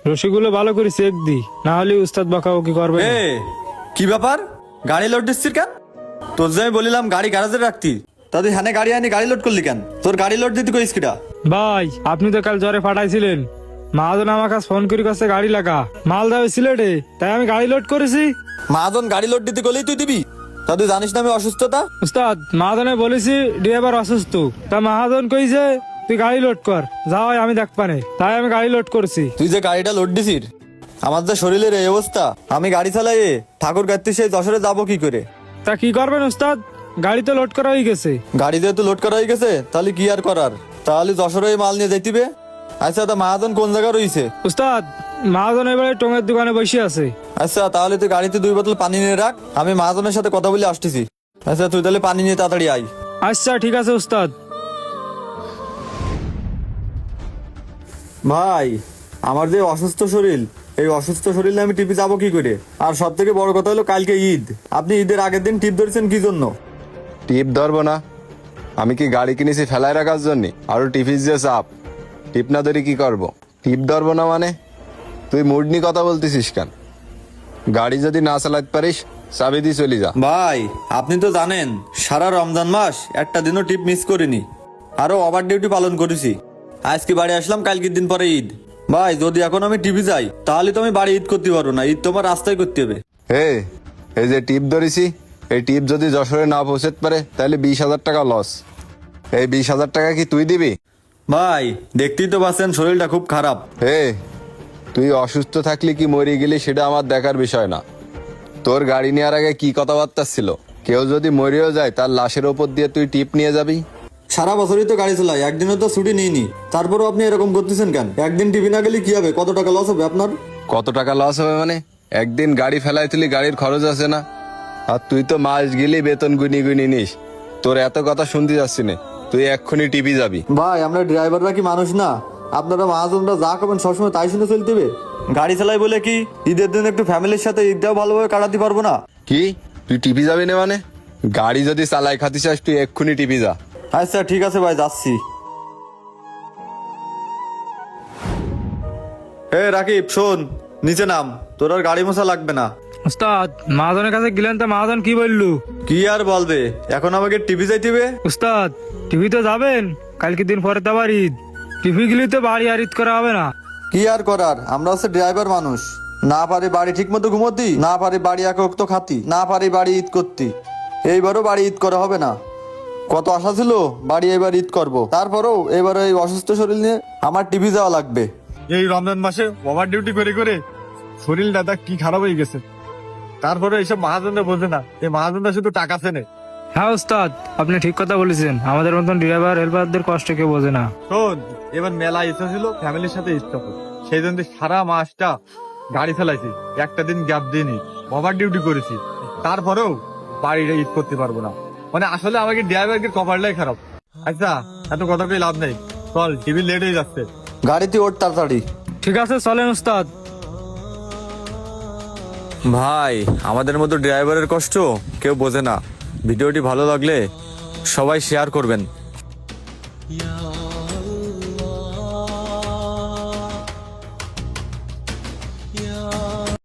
রশিগুলো ভালো করে চেক দি, না হলে উস্তাদ বকাবকি করবে না। কি ব্যাপার, গাড়ি লোড দিচ্ছিস কেন? তোর যে আমি বলিলাম গাড়ি গ্যারাজে রাখতি, তা তুই হ্যানে গাড়ি আনি গাড়ি লোড করলি কেন? তোর গাড়ি লোড দিতে কইস কিটা? ভাই আপনি তো কাল জ্বরে ফাটাইছিলেন, মাহাজন আমার কাছে ফোন করে কাছে গাড়ি লাগা, মাল দেওয়া সিলেটে, তাই আমি গাড়ি লোড করেছি। মহাজন গাড়ি লোড দিতে গেলেই তুই দিবি? তা তুই জানিস না আমি অসুস্থতা? উস্তাদ মাহাজনে বলেছি ড্রাইভার অসুস্থ, তা মাহাজন কইছে তুই গাড়ি লোড কর, যাও আমি দেখ পানে, তাই আমি গাড়ি লোড করছি। তুই যে গাড়িটা লোড দিছিস, আমার যে শরীরের এই অবস্থা, আমি গাড়ি চালাই ঠাকুর গাড়িতে সেই যশোরে যাবো কি করে? তা কি করবেন উস্তাদ, গাড়ি তো লোড করা হয়ে গেছে। গাড়ি যেহেতু লোড করা হয়ে গেছে, তাহলে কি আর করার? তাহলে যশোরে মাল নিয়ে যাইতিবে। আচ্ছা, তা মহাজন কোন জায়গা রয়েছে? উস্তাদ মাহাজন এবারে টঙের দোকানে বসে আছে। আচ্ছা, তাহলে তুই গাড়িতে 2 বোতল পানি নিয়ে রাখ, আমি মহাজনের সাথে কথা বলে আসতেছি। আচ্ছা, তুই তাহলে পানি নিয়ে তাড়াতাড়ি আয়। আচ্ছা ঠিক আছে উস্তাদ। ভাই, আমার যে অসুস্থ শরীর, এই অসুস্থ শরীরে আমি টিপে যাবো কি করে? আর সব থেকে বড় কথা হলো কালকে ঈদ, আপনি ঈদের আগের দিন টিপ ধরেছেন কি জন্য? টিপ ধরবো না? আমি কি গাড়ি কিনেছি ফেলায় রাখার জন্য? আরো টিপিস যে চাপ, টিপ না ধরে কি করবো? টিপ ধরবো না মানে? তুই মুড নিয়ে কথা বলতেছিস কেন? গাড়ি যদি না চালাতে পারিস চাবি দিয়ে চলে যা। ভাই, আপনি তো জানেন সারা রমজান মাস একটা দিনও টিপ মিস করিনি, আরো ওভার ডিউটি পালন করেছি। আজকে বাড়ি আসলাম কালকের দিন পরে ঈদ। ভাই, যদি এখন আমি টিভি যাই, তাহলে তো আমি বাড়ি ঈদ করতে পারবো না, ঈদ তোমার রাস্তায় করতে হবে। এই যে টিপ ধরেছি, এই টিপ যদি যশোরে না পৌঁছতে পারে তাহলে 20,000 টাকা লস। এই 20,000 টাকা কি তুই দিবি? ভাই, দেখতেই তো পাচ্ছেন শরীরটা খুব খারাপ। তুই অসুস্থ থাকলি কি মরে গেলি সেটা আমার দেখার বিষয় না। তোর গাড়ি নেওয়ার আগে কি কথাবার্তা ছিল? কেউ যদি মরেও যায় তার লাশের ওপর দিয়ে তুই টিপ নিয়ে যাবি? সারা বছরই তো গাড়ি চালাই, একদিনও তো ছুটি নিইনি, তারপরও আপনি এরকম করতেছেন কেন? একদিন টিভি না গেলে কি হবে? কত টাকা লস হবে আপনার? কত টাকা লস হবে মানে? একদিন গাড়ি ফেলাই তুলি, গাড়ির খরচ আছে না? আর তুই তো মাস গেলি বেতন গুনি গুনি নিস। তোর এত কথা শুনতে যাচ্ছি না, তুই এক্ষুনি টিপি যাবি। ভাই, আমরা ড্রাইভাররা কি মানুষ না? আপনারা মহাজনরা যা করবেন সবসময় তাই শুনে চলতে হবে? গাড়ি চালাই বলে কি ঈদের দিন একটু ফ্যামিলির সাথে ঈদটাও ভালোভাবে কাটাতে পারবো না? কি তুই টিপি যাবি না মানে? গাড়ি যদি চালাই খাতি চাস তুই এক্ষুনি টিপি যা। আচ্ছা ঠিক আছে ভাই, যাচ্ছি। রাকিব শোন, নিচে নাম, তোর আর গাড়ি মোছা লাগবে না। উস্তাদ মাহাজনের কাছে গেলেন, তা মাহাজন কি বললু? কি আর বলবে, এখন আমাকে টিভি যাইতে। উস্তাদ টিভি তো যাবেন, কালকে দিন পরে তো আবার ঈদ, টিভি গেলে তো বাড়ি আর ঈদ করা হবে না। কি আর করার, আমরা হচ্ছে ড্রাইভার মানুষ, না পারি বাড়ি ঠিক মতো ঘুমোতি, না পারি বাড়ি এক তো খাতি, না পারি বাড়ি ঈদ করতি। এইবারও বাড়ি ঈদ করা হবে না। কত আশা ছিল বাড়ি এবার ঈদ করব, তারপরেও এবার এই অসুস্থ শরীর নিয়ে আমার টিভি যাওয়া লাগবে। এই রমজান মাসে ওভার ডিউটি করে করে শরীর দাদা কি খারাপ হয়ে গেছে। তারপরে এইসব মহাজনরা বোঝে না, এই মহাজনরা শুধু টাকা চেনে। হ্যাঁ উস্তাদ আপনি ঠিক কথা বলেছেন, আমাদের মতন ড্রাইভার হেল্পারদের কষ্ট কেউ বোঝে না। শোন, এবার মেলা ইচ্ছা ছিল ফ্যামিলির সাথে ঈদ করবো, সেই জন্য সারা মাসটা গাড়ি চালাইছি, একটা দিন গ্যাপ দিইনি, ওভার ডিউটি করেছি, তারপরেও বাড়িটা ঈদ করতে পারবো না। মানে আসলে আমাকে ড্রাইভারকে কভারটাই খারাপ। আচ্ছা, এত কথা কই লাভ নেই, চল টিভি লেট হয়ে যাচ্ছে। গাড়িতে ওঠ তাড়াতাড়ি। ঠিক আছে চলেন উস্তাদ। ভাই, আমাদের মতো ড্রাইভারের কষ্ট কেউ বোঝে না। ভিডিওটি ভালো লাগলে সবাই শেয়ার করবেন।